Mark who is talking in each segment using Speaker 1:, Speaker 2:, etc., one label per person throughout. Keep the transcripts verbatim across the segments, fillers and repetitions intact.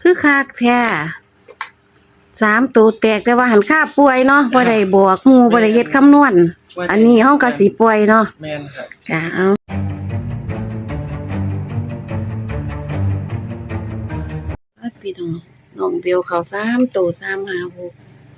Speaker 1: คือคักแท้สามตัวแตกแต่ว่าหันค่าป่วยเนาะบ่ได้บวกหมู่บ่ได้เฮ็ดคำนวณอันนี้เฮาก็สิป่วยเนาะ
Speaker 2: แม่นครับ
Speaker 1: จ้ะเอาพี่น้องน้องเบลเข้าสามตัวสามห้าหก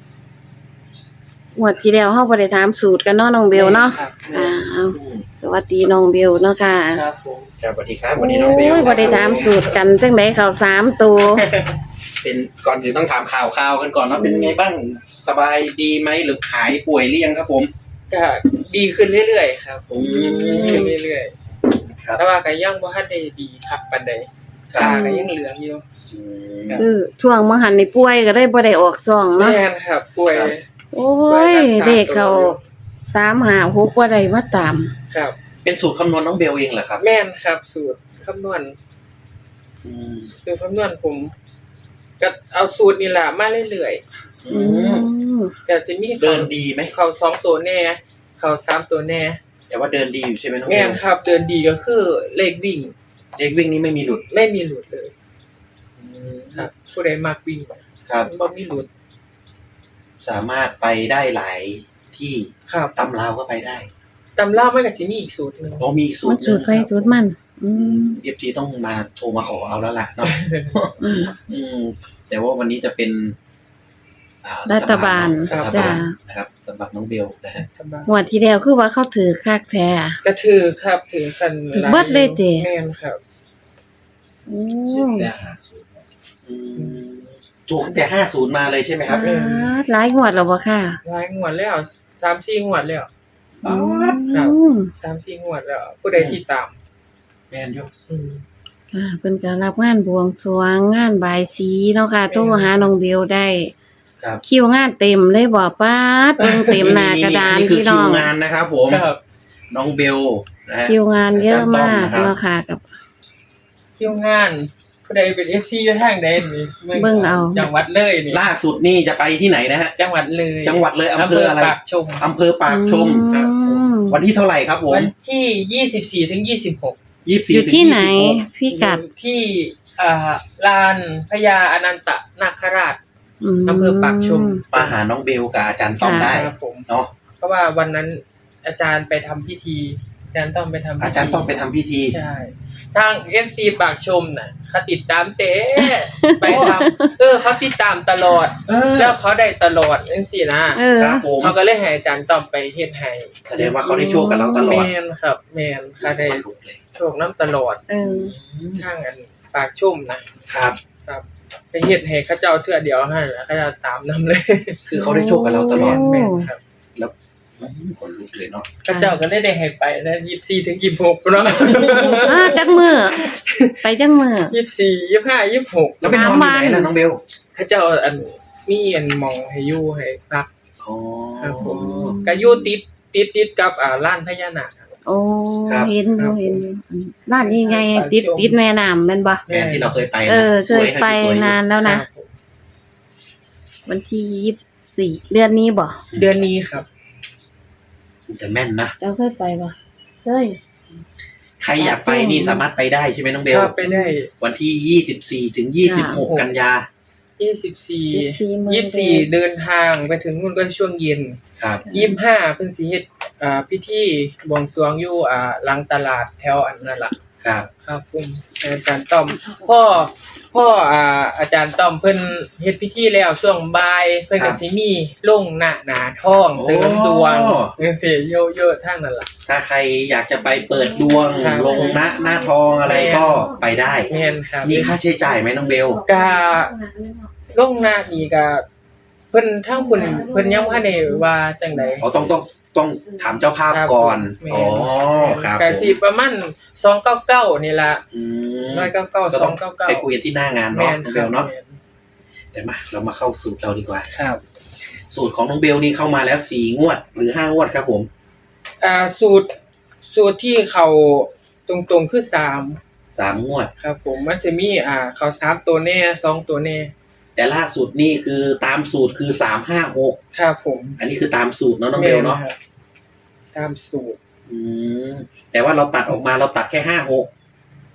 Speaker 1: งวดที่แล้วเฮาบ่ได้ถามสูตรกันเนาะน้องเบลเนาะอ่าเอาสวัสดีน้องเบลเนาะค่ะ
Speaker 2: ครับผม
Speaker 3: ครับสวัสดีครับวันนี้น้องเบล
Speaker 1: โอ้ยบ่ได้ถามสูตรกันจังได๋เข้าสามตัว
Speaker 3: เป็นก่อนอื่นต้องถามข่าวข่าวกันก่อนว่าเป็นไงบ้างสบายดีไหมหรือหายป่วยหรือยังครับผม
Speaker 2: ก็ดีขึ้นเรื่อยๆครับ
Speaker 3: อืม
Speaker 2: ดีขึ้นเรื่อย
Speaker 3: ครับ
Speaker 2: ๆแต่ว่าก็ยังบ่ทันได้ดีคักปานใด
Speaker 3: ครับ
Speaker 2: ตาก็ยังเหลืองอยู่
Speaker 3: อืม
Speaker 1: คือช่วงมื้อหันนี่ป่วยก็ได้บ่ได้ออกซ่องเนาะ
Speaker 2: แม่นครับป่วย
Speaker 3: ครับ
Speaker 1: โอ้ยเด็กเขาสามห้าหกบ่ได้มาตาม
Speaker 2: ครับ
Speaker 3: เป็นสูตรคำนวณน้องเบลเองเหรอครับ
Speaker 2: แม่นครับสูตรคำนวณ
Speaker 3: อืม
Speaker 2: สูตรคำนวณผมก็เอาสูตรนี่ล่ะมาเรื่อย
Speaker 3: อื
Speaker 1: อื
Speaker 3: ม
Speaker 1: ม
Speaker 2: ๆก็สิมี
Speaker 3: เดินดีไหม
Speaker 2: เข้าสองตัวแน่เข้าสามตัวแน่
Speaker 3: แต่ว่าเดินดีอยู่ใช่ไหมน้องเบ
Speaker 2: แม่น
Speaker 3: ล
Speaker 2: ครับ เดินดีก็คือเลขวิ่ง
Speaker 3: เลขวิ่งนี้ไม่มีหลุด
Speaker 2: ไม่มีหลุดเลยครับผู้ใดมักวิ่ง
Speaker 3: ครับ
Speaker 2: บ่มีหลุด
Speaker 3: สามารถไปได้หลายที่
Speaker 2: ครับ
Speaker 3: ตำราวก็ไปได้
Speaker 2: ตำรามันก็สิมีอีกสูตรหนึง
Speaker 3: โอ้มีอีกสู
Speaker 1: มั
Speaker 3: ต
Speaker 1: น
Speaker 3: รห
Speaker 1: สู
Speaker 3: นึ่
Speaker 1: ต
Speaker 3: ง
Speaker 1: รไฟสูตรมัน อืม
Speaker 3: เอฟซีต้องมาโทรมาขอเอาแล้วล่ะเนาะ
Speaker 1: อืม
Speaker 3: อืมแต่ว่าวันนี้จะเป็นอ่
Speaker 1: รัฐบาล
Speaker 3: รัฐ
Speaker 1: จ้ะ
Speaker 3: บาลนะครับสำหรับน้องเบลนะฮะ
Speaker 2: ตำรา
Speaker 1: งวดที่แล้วคือว่าเขาถือคักแท้
Speaker 2: ก็ถือครับถือกัน
Speaker 1: ถือเบิดเลยติ
Speaker 2: แม่นครับ
Speaker 1: โอ้
Speaker 3: อืมถูกตั้งแต่ห้าศูนย์มาเลยใช่ไหมครับ
Speaker 1: อ่าหลายงวดแล้วบ่ค่ะ
Speaker 2: หลายงวดแล้วสามสี่งวดแล้ว
Speaker 1: อื
Speaker 2: ครับ
Speaker 1: ม
Speaker 2: สามสี่งวดแล้ว ผู้ใดที่ตาม
Speaker 3: แมนอยู่
Speaker 2: อืม
Speaker 1: อ่าเพิ่นก็รับงานบวงสรวงงานบายสีเนาะค่ะโทรหาน้องเบลได้
Speaker 3: ครับ
Speaker 1: คิวงานเต็มเลยบ่ป๊าดเบิ่งเต็มหน้ากระดาน
Speaker 3: นี่คือ
Speaker 1: พี่
Speaker 3: คิ
Speaker 1: น้อ
Speaker 3: ว
Speaker 1: ง
Speaker 3: งานนะครับผม
Speaker 2: ครับ
Speaker 3: น้องเบลนะฮะ
Speaker 1: คิวงานเยอะมาก
Speaker 3: อาจารย์ต้อมนะครับ
Speaker 1: เนาะค่ะกับ
Speaker 2: คิวงานผู้ใดเป็น เอฟ ซี อยู่ทางใดนี่
Speaker 1: เบิ่งเอา
Speaker 2: จังหวัดเลยนี่
Speaker 3: ล่าสุดนี่จะไปที่ไหนนะฮะ
Speaker 2: จังหวัดเลย
Speaker 3: จังหวัดเลยอำเภออะไร
Speaker 2: ปากชม
Speaker 3: อำเภอปากชม
Speaker 1: อืม
Speaker 3: วันที่เท่าไหร่ครับผม
Speaker 2: วันที่ยี่สิบสี่ถึงยี่สิบหก
Speaker 3: ยี่สิบสี่
Speaker 1: อยู่
Speaker 3: ถึง
Speaker 1: ที่
Speaker 3: ยี่
Speaker 1: ไหน
Speaker 3: สิบหก
Speaker 1: พี่กัด
Speaker 2: ที่อ่าลานพญาอนันตนาคราช
Speaker 1: ม
Speaker 2: อำเภอปากชม
Speaker 3: มาหาน้องเบลกับอาจารย์ต้อมได้
Speaker 2: ครับผม
Speaker 3: เนาะ
Speaker 2: เพราะว่าวันนั้นอาจารย์ไปทำพิธี อาจารย์ต้องไปทำพิธี
Speaker 3: อาจารย์ต้องไปทำพิธี
Speaker 2: ใช่ทาง เอฟ ซี ปากชมน่ะเขาติดตามเต้ไปทำเออเขาติดตามตลอด
Speaker 3: เออ
Speaker 2: แล้วเขาได้ตลอดจังซี่นะ
Speaker 1: เออ
Speaker 3: ครับผม
Speaker 2: เขาก็เลยให้อาจารย์ต้องไปเฮ็ดให้
Speaker 3: แสดงว่าเขาได้โชคกับเราตลอด
Speaker 2: แม่นครับแม่นเขาได้
Speaker 3: มันหลุดเลย
Speaker 2: โชคน้ำตลอด
Speaker 1: เออ
Speaker 2: ทางอันปากชุ่มนะครับ ครับไปเฮ็ดให้เขาเจ้าเทื่อเดียวให้แล้วเขาจะตามนํเลย
Speaker 3: คือเขาได้โชคกับเราตลอด
Speaker 2: แม่นครับ
Speaker 3: แล้วอืมคนลุกเลยเนาะ
Speaker 2: เขาเจ้าก็ได้ได้ให้ไปนะยี่สิบสี่ถึงยี่สิบหกเนาะ
Speaker 1: อ่าจักมือไปจักมือ
Speaker 2: ยี่สิบสี่ ยี่สิบห้า ยี่สิบหก
Speaker 3: แล้วไปนอนอยู่ไหนล่ะน้องเบล
Speaker 2: เขาเจ้าอันมีอันหมองให้อยู่ให้พัก
Speaker 3: อ๋อ
Speaker 2: ครับผมก็อยู่ติดติดติดกับอ่าร้านพญานาค
Speaker 1: โอ้
Speaker 3: ครับ
Speaker 1: เห็นอยู่เห็นอยู่ร้านนี้ไงติดติดแม่น้ำแม่นบ่
Speaker 3: แม่ที่เราเคยไปนะ
Speaker 1: เออเคย
Speaker 3: สว
Speaker 1: ไป
Speaker 3: ให้สวย
Speaker 1: นานแล้วนะ
Speaker 2: ครับผม
Speaker 1: วันที่ยี่สิบสี่เดือนนี้บ่
Speaker 2: เดือนนี้ครับ
Speaker 3: จะแม่นนะ
Speaker 1: เจ้าเคยไปบ่เคย
Speaker 3: ใครอยากไปนี่สามารถไปได้ใช่ไหมน้องเบล
Speaker 2: ครับไปได้
Speaker 3: วันที่ยี่สิบสี่ถึงยี่สิบหกกันยา
Speaker 2: ยี่สิบสี่
Speaker 1: มื้อ
Speaker 2: ยี่สิบสี่เดินทางไปถึงนู่นก็ช่วงเย็น
Speaker 3: ครับ
Speaker 2: ยี่สิบห้าเพิ่นสิเฮ็ดอ่าพิธีบวงสรวงอยู่อ่าหลังตลาดแถวอันนั่นล่ะ
Speaker 3: ครับ
Speaker 2: ครับผมอาจารย์ต้อมพ่อพ่ออ่าอาจารย์ต้อมเพิ่นเฮ็ดพิธีแล้วช่วงบ่ายเพิ่นก็สิมีลงหน้าหนาทองเสริมดวงจังซี่เยอะๆทางนั้นล่ะ
Speaker 3: ถ้าใครอยากจะไปเปิดดวง
Speaker 2: ครับ
Speaker 3: ลงหน้าหน้าทองอะไรก็ไปได้
Speaker 2: แม่นครับ
Speaker 3: มีค่าใช้จ่ายไหมน้องเบล
Speaker 2: กะลงหน้านี่ก็เพิ่นทางเพิ่นเพิ่นยังบ่ทันได้ว่าจังได๋
Speaker 3: อ๋อต้องต้องต้องถามเจ้าภาพ
Speaker 2: ครับ
Speaker 3: ก่อน
Speaker 2: แม่น
Speaker 3: อ๋อครับ
Speaker 2: ก็สิประมาณสองร้อยเก้าสิบเก้านี่ล่ะ
Speaker 3: อืม
Speaker 2: หนึ่งร้อยเก้าสิบเก้า
Speaker 3: ก็ต้อง
Speaker 2: สองร้อยเก้าสิบเก้า
Speaker 3: ไปคุยกันที่หน้างาน
Speaker 2: แม่
Speaker 3: เนาะ
Speaker 2: น
Speaker 3: น้อง
Speaker 2: ค
Speaker 3: เบ
Speaker 2: รับ
Speaker 3: ลเนาะ
Speaker 2: แม่น
Speaker 3: แต่มาเรามาเข้าสูตรเราดีกว่า
Speaker 2: ครับ
Speaker 3: สูตรของน้องเบลนี่เข้ามาแล้วสี่งวดหรือห้างวดครับผม
Speaker 2: อ่าสูตรสูตรที่เขาตรงๆคือสาม
Speaker 3: สามงวด
Speaker 2: ครับผมมันจะมีอ่าเขาสามตัวแน่สองตัวแน่
Speaker 3: แต่ล่าสุดนี่คือตามสูตรคือสามห้าหก
Speaker 2: ครับผม
Speaker 3: อันนี้คือตามสูตรเนาะน้องเบลเนาะ
Speaker 2: แม่ครับตามสูตร
Speaker 3: อืมแต่ว่าเราตัดออกมาเราตัดแค่ห้าหก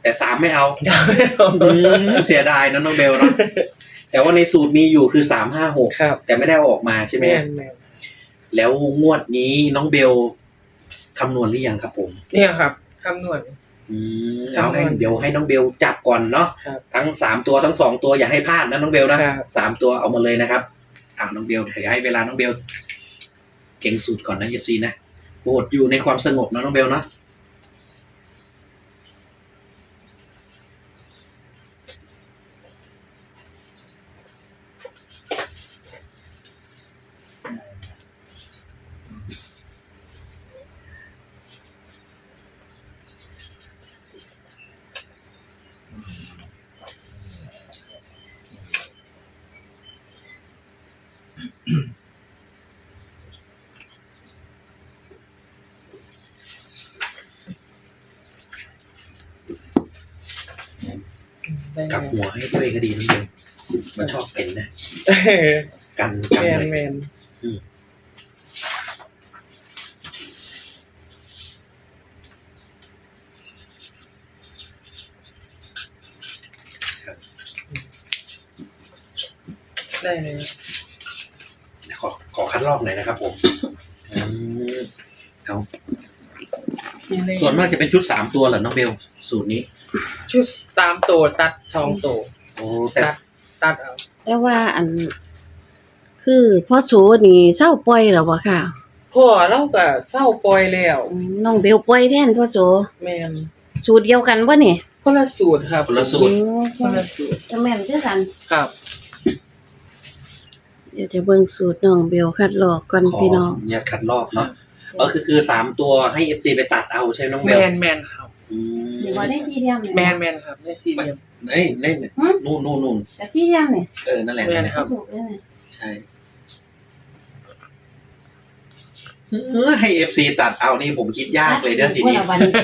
Speaker 3: แต่สามไม่เอาอืมเสียดายนะน้องเบลเนาะแต่ว่าในสูตรมีอยู่คือสามห้าหก
Speaker 2: ครับ
Speaker 3: แต่ไม่ได้เอาออกมาใช่ไหม
Speaker 2: แม่นแม่น
Speaker 3: แล้วงวดนี้น้องเบลคำนวณหรือยังครับผม
Speaker 2: เนี่ยครับคำนวณ
Speaker 3: อืมเอาให้
Speaker 2: คำนวณ
Speaker 3: เดี๋ยวให้น้องเบลจับก่อนเนาะ
Speaker 2: ครับ
Speaker 3: ทั้งสามตัวทั้งสองตัวอย่าให้พลาดนะน้องเบลนะครับ สามตัวเอามาเลยนะครับอ่าน้องเบลเดี๋ยวให้เวลาน้องเบลเก่งสูตรก่อนนะเอฟซีนะโปรดอยู่ในความสงบนะน้องเบลเนาะกลับหัวให้ด้วยก็ดีน้องเบลมันชอบเป็นนะ
Speaker 2: เออ
Speaker 3: กันกัน
Speaker 2: แม่น
Speaker 3: เลย
Speaker 2: แม่น ได้เลย
Speaker 3: ขอขอคัดลอกหน่อยนะครับผมอืมเอา
Speaker 2: ที่นี่
Speaker 3: ส่วนมากจะเป็นชุดสามตัวเหรอน้องเบลสูตรนี้
Speaker 2: ชุดสามตัวตัดสองตัว
Speaker 3: โอ้แต่
Speaker 2: ตัดตัดเอา
Speaker 1: แต่ว่าอัน คือพ่อโสนี่เศร้าปล่อยแล้วบ่ค่ะ
Speaker 2: พ่อเราก็เศร้าปล่อยแล้ว
Speaker 1: อืมน้องเบลปล่อยแทนพ่อโส
Speaker 2: แม่น
Speaker 1: สูตรเดียวกันบ่นี่
Speaker 2: คนละสูตรครับ
Speaker 3: คนละสู
Speaker 1: อื
Speaker 3: ตร
Speaker 1: ม
Speaker 2: คนละสูตร
Speaker 1: จะแม่นคือกัน
Speaker 2: ครับ
Speaker 1: เดี๋ยวจะเบิ่งสูตรน้องเบลคัดลอกก่อน
Speaker 3: ขอ
Speaker 1: พี่น้อง
Speaker 3: เนี่ยคัดลอกเนาะก็คือคือสามตัวให้เอฟซีไปตัดเอาใช่ไหมน้องเบ
Speaker 2: แม
Speaker 3: ล
Speaker 2: นแมนครับ
Speaker 3: อืม
Speaker 1: นี่บ่ได้สี่เหลี่ยมนี่
Speaker 2: แมนแมนครับได้สี่เหลี่ยม
Speaker 3: เอ้ยนี่นู่นนู่นนู่น
Speaker 1: แต่สี่เหลี่ยมนี่
Speaker 3: เออนั่นแหละ
Speaker 2: แม่
Speaker 3: นั่น
Speaker 2: น
Speaker 3: แหละ
Speaker 2: ครับ
Speaker 1: ถูกเลยนี่
Speaker 3: ใช่เออให้เอฟซีตัดเอานี่ผมคิดยากเลยเด้อทีนี้
Speaker 1: ว่าวันนี้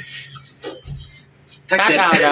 Speaker 3: ถ้า
Speaker 2: ตัด
Speaker 3: เกิด
Speaker 2: เอาแล้ว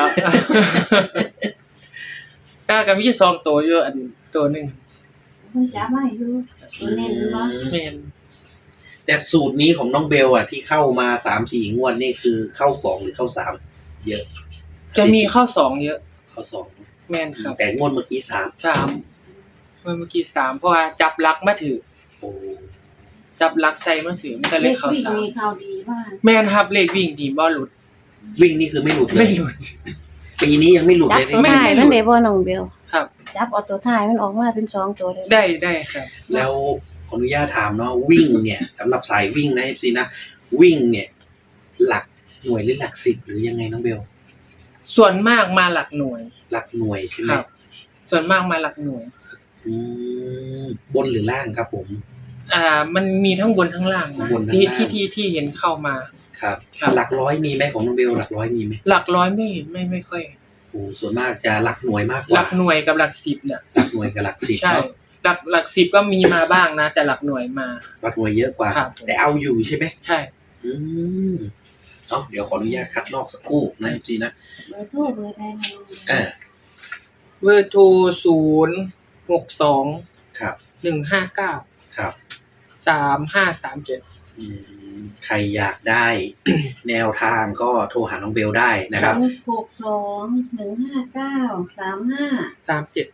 Speaker 2: กล้ากับมีสองตัวอยู่อันตัวหนึ่ง
Speaker 1: เพิ่นจับมาให้อยู่ตัวเน้นบ่
Speaker 2: แมน
Speaker 3: แต่สูตรนี้ของน้องเบลอ่ะที่เข้ามาสามสี่งวดนี่คือเข้าสองหรือเข้าสามเยอะ
Speaker 2: จะมีข้าวสองเยอะ
Speaker 3: เข้าสอง
Speaker 2: แมนครับ
Speaker 3: แต่งวดเมื่อกี้สาม
Speaker 2: สามเมื่อกี้สามเพราะว่าจับลักมาถือ
Speaker 3: โอ้
Speaker 2: จับลักใส่มาถือมันก็เลยเข้า
Speaker 1: วิ่ง
Speaker 2: สาม
Speaker 1: มีข่าวดีมาก
Speaker 2: แมนครับเลขวิ่งดีบ่หลุด
Speaker 3: วิ่งนี่คือไม่หลุดเล
Speaker 2: ไม่
Speaker 3: ย
Speaker 2: หลุด
Speaker 3: ปีนี้ยังไม่หลุด
Speaker 1: จับ
Speaker 3: เลย
Speaker 1: ตัว
Speaker 3: ไม่
Speaker 1: ท้ายมันได้บ่น้องเบล
Speaker 2: ครับ
Speaker 1: จับเอาตัวท้ายมันออกมาเป็นสองตัวเลย
Speaker 2: ได้ได้ครับ
Speaker 3: แล้วขออนุญาตถามเนาะวิ่งเนี่ยสำหรับสายวิ่งนะเอฟซีนะวิ่งเนี่ย หลักหน่วยหรือหลักสิบหรือยังไงน้องเบล
Speaker 2: ส่วนมากมาหลักหน่วย
Speaker 3: หลักหน่วยใช่ไหม
Speaker 2: ครับ ส่วนมากมาหลักหน่วย
Speaker 3: อืมบนหรือล่างครับผม
Speaker 2: อ่า มันมีทั้งบนทั้งล่างนะ
Speaker 3: บนทั้ง
Speaker 2: ที่
Speaker 3: ล่าง
Speaker 2: ที่ที่ที่เห็นเข้ามา
Speaker 3: ครับ
Speaker 2: ครับ
Speaker 3: หลักร้อยมีไหมของน้องเบลหลักร้อยมีไหม
Speaker 2: หลักร้อยไม่ไม่ไม่ค่อย
Speaker 3: โอ้ส่วนมากจะหลักหน่วยมากก
Speaker 2: ห
Speaker 3: ว่า
Speaker 2: ลักหน่วยกับหลักสิบเนี่ย
Speaker 3: หลักหน่วยกับหลักสิบ
Speaker 2: ใช่
Speaker 3: เนาะ
Speaker 2: หลักหลักสิบก็มีมาบ้างนะ แต่หลักหน่วยมา
Speaker 3: หลักหน่วยเยอะกว่า
Speaker 2: ครับ
Speaker 3: แต่เอาอยู่ใช่ไหม
Speaker 2: ใช่
Speaker 3: อืมเนาะเดี๋ยวขออนุญาตคัดลอกสักครู่นะจริงๆนะ
Speaker 1: เบอร์โทรเบอร์ใดนะน้องเบล
Speaker 3: เออ
Speaker 2: เบอร์โทรศูนย์หกสอง
Speaker 3: ครับ
Speaker 2: หนึ่งห้าเก้า
Speaker 3: ครับ
Speaker 2: สามห้าสามเจ็ด
Speaker 3: อืมใครอยากได้ แนวทางก็โทรหาน้องเบลได้นะครับ
Speaker 1: หกสองหนึ่งห้าเก้าสามห้า
Speaker 2: สามเจ็ด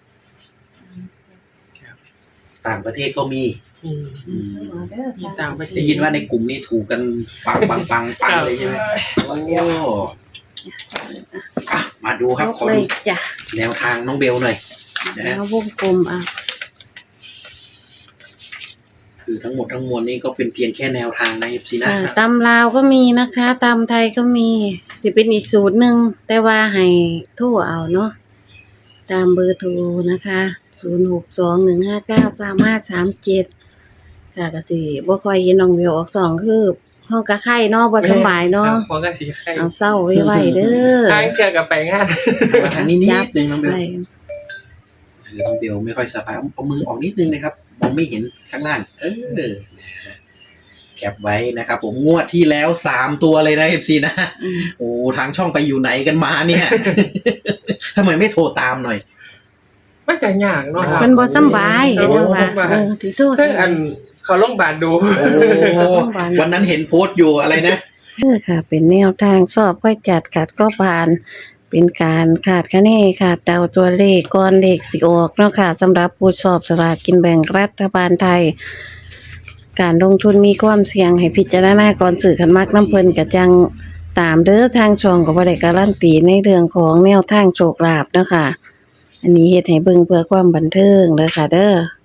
Speaker 3: ต่างประเทศก็มี
Speaker 2: อืม
Speaker 3: อืม
Speaker 2: มีต่างประเทศ
Speaker 3: ได้ยินว่าในกลุ่มนี้ถูกกันปังปังปังปังเลยใช่ไหมโอ้อ่ะมาดูครับ
Speaker 1: ยก
Speaker 3: ขอ
Speaker 1: เล
Speaker 3: ดู
Speaker 1: ยจ้ะ
Speaker 3: แนวทางน้องเบลหน่อย นะฮะ
Speaker 1: แล้ววงกลมอ่ะ
Speaker 3: คือทั้งหมดทั้งมวลนี้ก็เป็นเพียงแค่แนวทางนะเอฟซีนะ
Speaker 1: อ่าตำลาวก็มีนะคะตำไทยก็มีสิเป็นอีกสูตรหนึ่งแต่ว่าให้โทรเอาเนาะตามเบอร์โทรนะคะศูนย์หกสองหนึ่งห้าเก้าสามห้าสามเจ็ดค่ะก็สิบ่ค่อยเห็นน้องเบลออกสองคือห้องกะไข่เนาะบ่สำบายเนาะ
Speaker 2: หัวกระสีไข่
Speaker 1: เอาเศร้าไว้ไว้เด้อ
Speaker 2: ทางเจอกับไปงาน
Speaker 3: มาทางนี้นิดนึงน้องเบล
Speaker 1: ไว้
Speaker 3: คือน้องเบลไม่ค่อยสบายเอาเอามือออกนิดนึงนะครับมองไม่เห็นข้างล่าง เออนะฮะแคปไว้นะครับผมงวดที่แล้วสามตัวเลยนะเอฟซีนะ
Speaker 1: อืม
Speaker 3: โอ้ทางช่องไปอยู่ไหนกันมาเนี่ย ทำไมไม่โทรตามหน่อย
Speaker 2: มันก็ยากเนาะครับ
Speaker 1: มันบ่สำบาย
Speaker 2: โอ้
Speaker 1: เนาะว่า
Speaker 2: สำบาย
Speaker 1: เออที่โทษ
Speaker 2: เพิ่งอันเขาโรงพยาบาลดู
Speaker 3: โอ้วันนั้นเห็นโพสต์อยู่อะไรนะ
Speaker 1: เออค่ะ เป็นแนวทางสอบค่อยจัดขัดก็ผ่าน เป็นการขาดคะแนนขาดเดาตัวเลขก่อนเลขสิออกเนาะค่ะสำหรับผู้สอบสลากกินแบ่งรัฐบาลไทย การลงทุนมีความเสี่ยงให้พิจารณาก่อนซื้อคันมักน้ำเพิ่นก็จังตามเด้อทางช่องก็บ่ได้การันตีในเรื่องของแนวทางโชคลาภเนาะค่ะ อันนี้เฮ็ดให้เบิ่งเพื่อความบันเทิงเด้อค่ะเด้อ